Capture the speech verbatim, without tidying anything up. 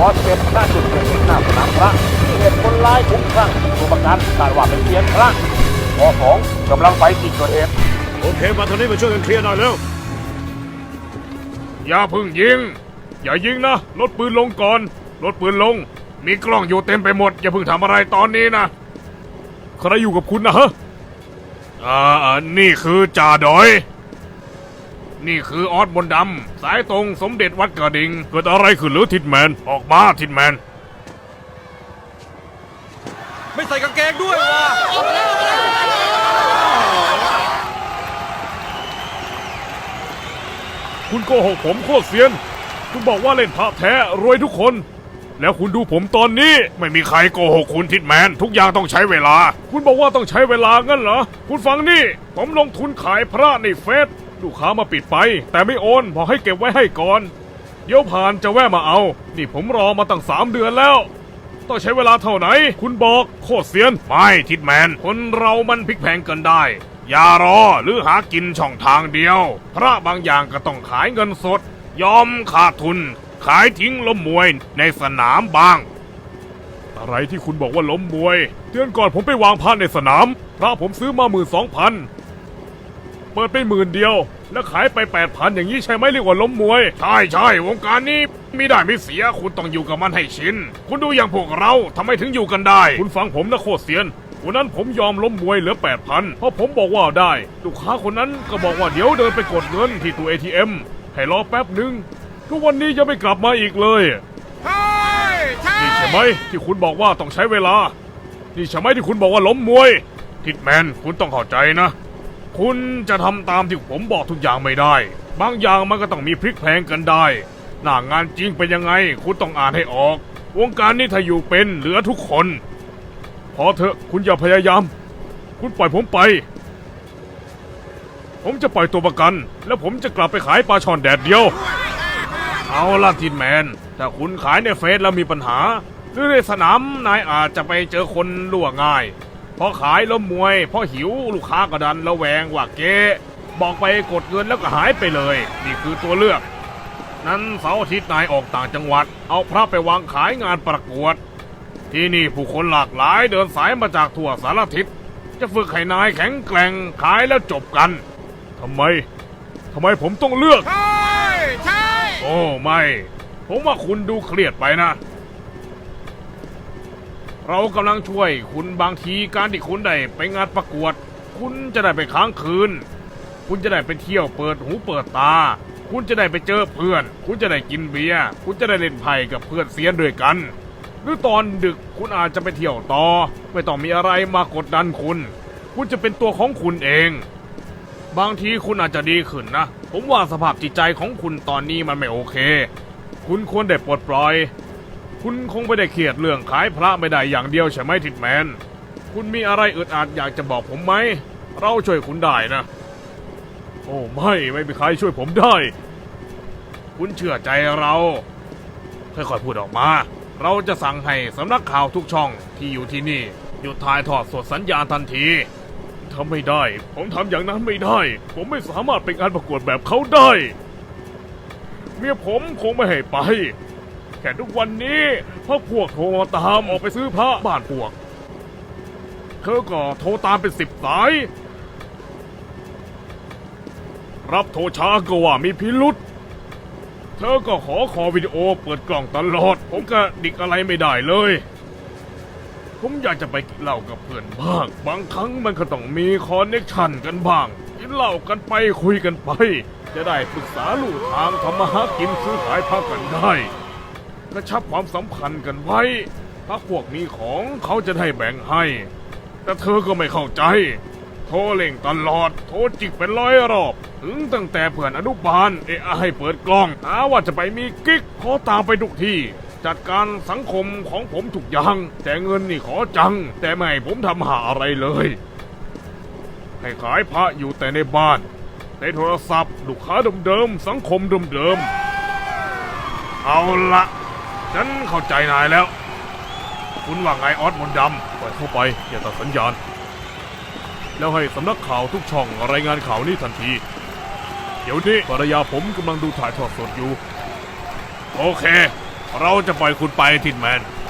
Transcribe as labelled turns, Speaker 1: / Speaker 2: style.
Speaker 1: อสเป็นหน้าจุดเกิดเหตุหน้าสนามพระที่เหตุคนร้ายคุ้มคลั่งตัวประกันคาดว่าเป็นเซียนพระปอสองกำลังไปที่เกิดเหตุ
Speaker 2: โอเคมาทางนี้มาช่วยกันเคลียร์หน่อยเร็วอย่าพึ่งยิงอย่ายิงนะลดปืนลงก่อนลดปืนลงมีกล้องอยู่เต็มไปหมดอย่าเพิ่งทำอะไรตอนนี้นะใครอยู่กับคุณนะฮะอ่านี่คือจ่าดอยนี่คือออสมนต์ดำสายตรงสมเด็จวัดกระดิ่งเกิดอะไรขึ้นหรือทิดแมนออกมาทิดแมน
Speaker 3: ไม่ใส่กางเกงด้วยวะ
Speaker 2: คุณโกหกผมโคตรเซียนคุณบอกว่าเล่นพระแท้รวยทุกคนแล้วคุณดูผมตอนนี้ไม่มีใครโกหกคุณทิดแมนทุกอย่างต้องใช้เวลาคุณบอกว่าต้องใช้เวลางั้นเหรอคุณฟังนี่ผมลงทุนขายพระในเฟซลูกค้ามาปิดไปแต่ไม่โอนบอกให้เก็บไว้ให้ก่อนเดี๋ยวผ่านจะแวะมาเอานี่ผมรอมาตั้งสามเดือนแล้วต้องใช้เวลาเท่าไหนคุณบอกโคตรเซียนไม่ทิดแมนคนเรามันพลิกแพงกันได้อย่ารอหรือหากินช่องทางเดียวพระบางอย่างก็ต้องขายเงินสดยอมขาดทุนขายทิ้งล้มมวยในสนามบ้างอะไรที่คุณบอกว่าล้มมวยเดือนก่อนผมไปวางพระในสนามพระผมซื้อมาหมื่นสองพันเปิดไปหมื่นเดียวแล้วขายไปแปดพันอย่างนี้ใช่ไหมเรียกว่าล้มมวยใช่ใช่วงการนี้มีได้ไม่เสียคุณต้องอยู่กับมันให้ชินคุณดูอย่างพวกเราทำไมถึงอยู่กันได้คุณฟังผมนะโคตรเซียนวันนั้นผมยอมล้มมวยเหลือแปดพันเพราะผมบอกว่าได้ลูกค้าคนนั้นก็บอกว่าเดี๋ยวเดินไปกดเงินที่ตู้ เอ ที เอ็ม ให้รอแป๊บหนึ่งทุกวันนี้ยังไม่กลับมาอีกเลย
Speaker 3: ใช่ใช่
Speaker 2: นี่ใช่ไหมที่คุณบอกว่าต้องใช้เวลานี่ใช่ไหมที่คุณบอกว่าล้มมวยทิดแมนคุณต้องเข้าใจนะคุณจะทำตามที่ผมบอกทุกอย่างไม่ได้บางอย่างมันก็ต้องมีพลิกแพลงกันได้หน้างานจริงเป็นยังไงคุณต้องอ่านให้ออกวงการนี้ถ้าอยู่เป็นเหลือทุกคนพอเถอะคุณอย่าพยายามคุณปล่อยผมไปผมจะปล่อยตัวประกันแล้วผมจะกลับไปขายปลาช่อนแดดเดียวเอาล่ะทิดแมนถ้าคุณขายในเฟซแล้วมีปัญหาหรือในสนามนายอาจจะไปเจอคนล่วงง่ายพอขายล้มมวยพอหิวลูกค้าก็ดันระแวงว่าเก๊บอกไปกดเงินแล้วก็หายไปเลยนี่คือตัวเลือกนั้นเสาร์อาทิตย์นายออกต่างจังหวัดเอาพระไปวางขายงานประกวดที่นี่ผู้คนหลากหลายเดินสายมาจากทั่วสารทิศจะฝึกให้นายแข็งแกร่งขายแล้วจบกันทำไมทำไมผมต้องเลือก
Speaker 3: ใช่ใช่
Speaker 2: โอ้ไม่ผมว่าคุณดูเครียดไปนะเรากำลังช่วยคุณบางทีการที่คุณได้ไปงานประกวดคุณจะได้ไปค้างคืนคุณจะได้ไปเที่ยวเปิดหูเปิดตาคุณจะได้ไปเจอเพื่อนคุณจะได้กินเบียร์คุณจะได้เล่นไพ่กับเพื่อนเซียนด้วยกันหรือตอนดึกคุณอาจจะไปเที่ยวต่อไม่ต้องมีอะไรมากดดันคุณคุณจะเป็นตัวของคุณเองบางทีคุณอาจจะดีขึ้นนะผมว่าสภาพจิตใจของคุณตอนนี้มันไม่โอเคคุณควรได้ปลดปล่อยคุณคงไม่ได้เครียดเรื่องขายพระไม่ได้อย่างเดียวใช่ไหมทิดแมนคุณมีอะไรอึดอัดอยากจะบอกผมไหมเราช่วยคุณได้นะโอ้ไม่ไม่มีใครช่วยผมได้คุณเชื่อใจเราค่อยๆพูดออกมาเราจะสั่งให้สำนักข่าวทุกช่องที่อยู่ที่นี่หยุดถ่ายทอดสดสัญญาณทันทีทำไม่ได้ผมทำอย่างนั้นไม่ได้ผมไม่สามารถไปงานประกวดแบบเขาได้เมียผมคงไม่ให้ไปแค่ทุกวันนี้พวกพวกโทรมาตามออกไปซื้อพระบ้านพวกเธอก็โทรตามเป็นสิบสายรับโทรช้าก็ว่ามีพิรุษเธอก็ขอขอวิดีโอเปิดกล่องตลอดผมก็ดิกอะไรไม่ได้เลยผมอยากจะไปกินเหล้ากับเพื่อนบ้างบางครั้งมันก็ต้องมีคอนเนคชั่นกันบ้างกินเหล้ากันไปคุยกันไปจะได้ปรึกษาลู่ทางทำมาหากินซื้อขายพระกันได้กระชับความสัมพันธ์กันไว้ถ้าพวกมีของเขาจะได้แบ่งให้แต่เธอก็ไม่เข้าใจโทรเล่งตลอดโทรจิกเป็นร้อยรอบถึงตั้งแต่เพื่อนอนุบาลเอะให้เปิดกล้องหาว่าจะไปมีกิ๊กขอตามไปทุกที่จัดการสังคมของผมทุกอย่างแต่เงินนี่ขอจังแต่ไม่ให้ผมทำหาอะไรเลยให้ขายพระอยู่แต่ในบ้านในโทรศัพท์ลูกค้าเดิมๆสังคมเดิมๆเอาละฉันเข้าใจนายแล้วคุณว่าไงออสมนต์ดำปล่อยเข้าไปอย่าตัดสัญญาณแล้วให้สำนักข่าวทุกช่องรายงานข่าวนี้ทันทีเดี๋ยวนี้ภรรยาผมกำลังดูถ่ายทอดสดอยู่โอเคเราจะปล่อยคุณไปทินแมน